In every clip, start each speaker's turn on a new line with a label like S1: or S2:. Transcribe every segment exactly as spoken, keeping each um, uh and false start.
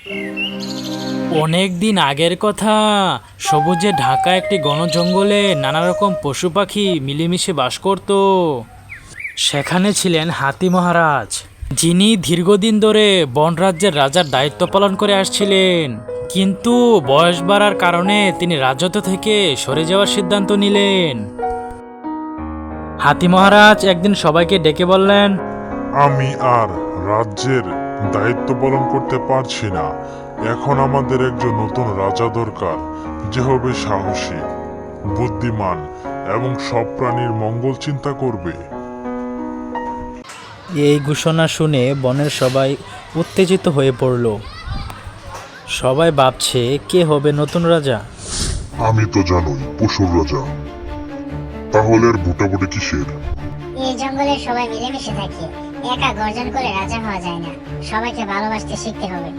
S1: অনেক দিন আগের কথা, সবুজে ঢাকা একটি ঘন জঙ্গলে নানা রকম পশু পাখি মিলেমিশে বাস করত। সেখানে ছিলেন হাতি মহারাজ, যিনি দীর্ঘদিন ধরে বনরাজ্যের রাজার দায়িত্ব পালন করে আসছিলেন। কিন্তু বয়স বাড়ার কারণে তিনি রাজত্ব থেকে সরে যাওয়ার সিদ্ধান্ত নিলেন। হাতি মহারাজ একদিন সবাইকে ডেকে বললেন,
S2: আমি আর রাজ্যের দায়িত্ব পালন করতে পারছি না। এখন আমাদের একজন নতুন রাজা দরকার, যে হবে সাহসী, বুদ্ধিমান এবং সব প্রাণীর মঙ্গল চিন্তা করবে।
S1: এই ঘোষণা শুনে বনের সবাই উত্তেজিত হয়ে পড়ল। সবাই ভাবছে কে হবে নতুন রাজা।
S2: আমি তো জানোই পশুর রাজা, তাহলে আর ভোটাভুটি কিসের?
S3: এই জঙ্গলে সবাই মিলেমিশে থাকে, একা গর্জন করে রাজা হওয়া যায় না। সবাইকে ভালোবাসতে শিখতে হবে।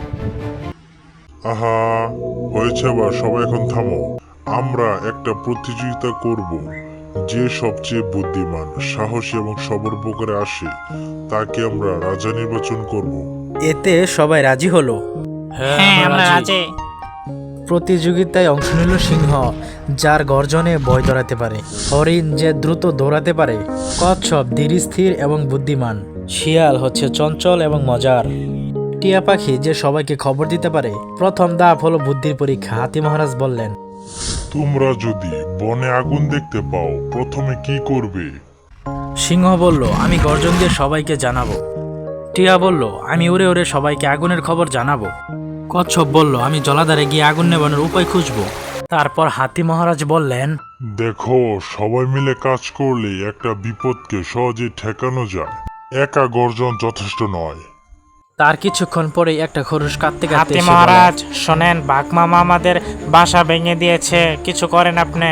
S2: আহা, হয়েছে বা, সবাই এখন থামো। আমরা একটা প্রতিযোগিতা করব, যে সবচেয়ে বুদ্ধিমান, সাহসী এবং সবার উপকারে আসে তাকে আমরা রাজা নির্বাচন করব।
S1: এতে সবাই রাজি হলো। হ্যাঁ, আমরা রাজি। প্রতিযোগিতায় অংশ নিল সিংহ, যার গর্জনে ভয় ধরাতে পারে; হরিণ, যে দ্রুত দৌড়াতে পারে; কচ্ছপ ধীর স্থির এবং বুদ্ধিমান; শিয়াল হচ্ছে চঞ্চল এবং মজার; টিয়া পাখি, যে সবাইকে খবর দিতে পারে। প্রথম ধাপ হলো বুদ্ধির পরীক্ষা। হাতি মহারাজ বললেন,
S2: তোমরা যদি বনে আগুন দেখতে পাও, প্রথমে কি করবে?
S1: সিংহ বলল, আমি গর্জন দিয়ে সবাইকে জানাবো। টিয়া বলল, আমি উড়ে উড়ে সবাইকে আগুনের খবর জানাবো। কচ্ছপ বলল, আমি জলাধারে গিয়ে আগুন নেভানোর উপায় খুঁজবো। তারপর হাতি মহারাজ বললেন,
S2: দেখো, সবাই মিলে কাজ করলে একটা বিপদকে সহজে ঠেকানো যায়। একা গর্জন যথেষ্ট নয়।
S1: তার কিছুক্ষণ পরেই একটা খরগোশ কাঁদতে কাঁদতে
S4: হাতি
S1: এসে
S4: মহারাজ,
S1: বলে,
S4: শোনেন, বাঘ মামা আমাদের বাসা ভেঙে দিয়েছে, কিছু করেন আপনি।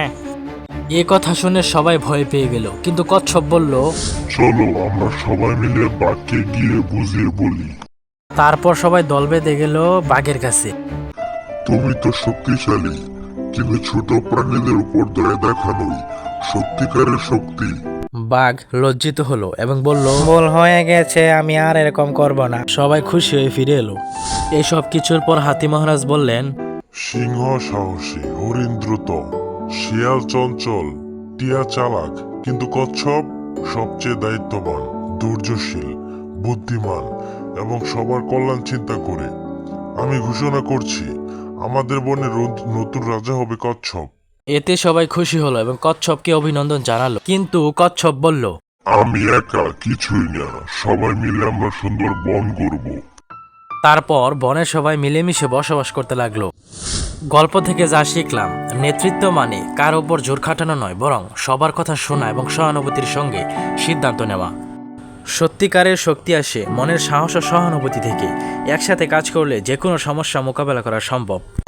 S1: এ কথা শুনে সবাই ভয় পেয়ে গেল। কিন্তু কচ্ছপ বলল,
S2: চলো আমরা সবাই মিলে বাঘকে গিয়ে বুঝিয়ে বলি।
S1: তারপর সবাই দল বেঁধে গেল বাঘের কাছে।
S2: তুমি তো শক্তিশালী, কিন্তু ছোট প্রাণীদের উপর দয়া দেখানোই সত্যিকারের শক্তি।
S1: বাঘ লজ্জিত হলো এবং বলল,
S4: ভুল হয়ে গেছে, আমি আর এরকম করব না।
S1: সবাই খুশি হয়ে ফিরে এলো। এইসব কিছুর পর হাতি মহারাজ বললেন,
S2: সিংহ সাহসী, হরিণ দ্রুত, শিয়াল চঞ্চল, টিয়া চালাক, কিন্তু কচ্ছপ সবচেয়ে দায়িত্ববান, ধৈর্যশীল, বুদ্ধিমান এবং সবার কল্যাণ চিন্তা করে। আমি ঘোষণা করছি, আমাদের বনে রোদ- নতুন রাজা হবে কচ্ছপ।
S1: এতে সবাই খুশি হলো এবং কচ্ছপকে অভিনন্দন জানালো। কিন্তু কচ্ছপ বলল,
S2: আমি একা কিছুই না, সবাই মিলে আমরা সুন্দর বন করব।
S1: তারপর বনের সবাই মিলেমিশে বসবাস করতে লাগলো। গল্প থেকে যা শিখলাম, নেতৃত্ব মানে কার উপর জোর খাটানো নয়, বরং সবার কথা শোনা এবং সহানুভূতির সঙ্গে সিদ্ধান্ত নেওয়া। সত্যিকারের শক্তি আসে মনের সাহস ও সহানুভূতি থেকে। একসাথে কাজ করলে যে কোনো সমস্যা মোকাবেলা করা সম্ভব।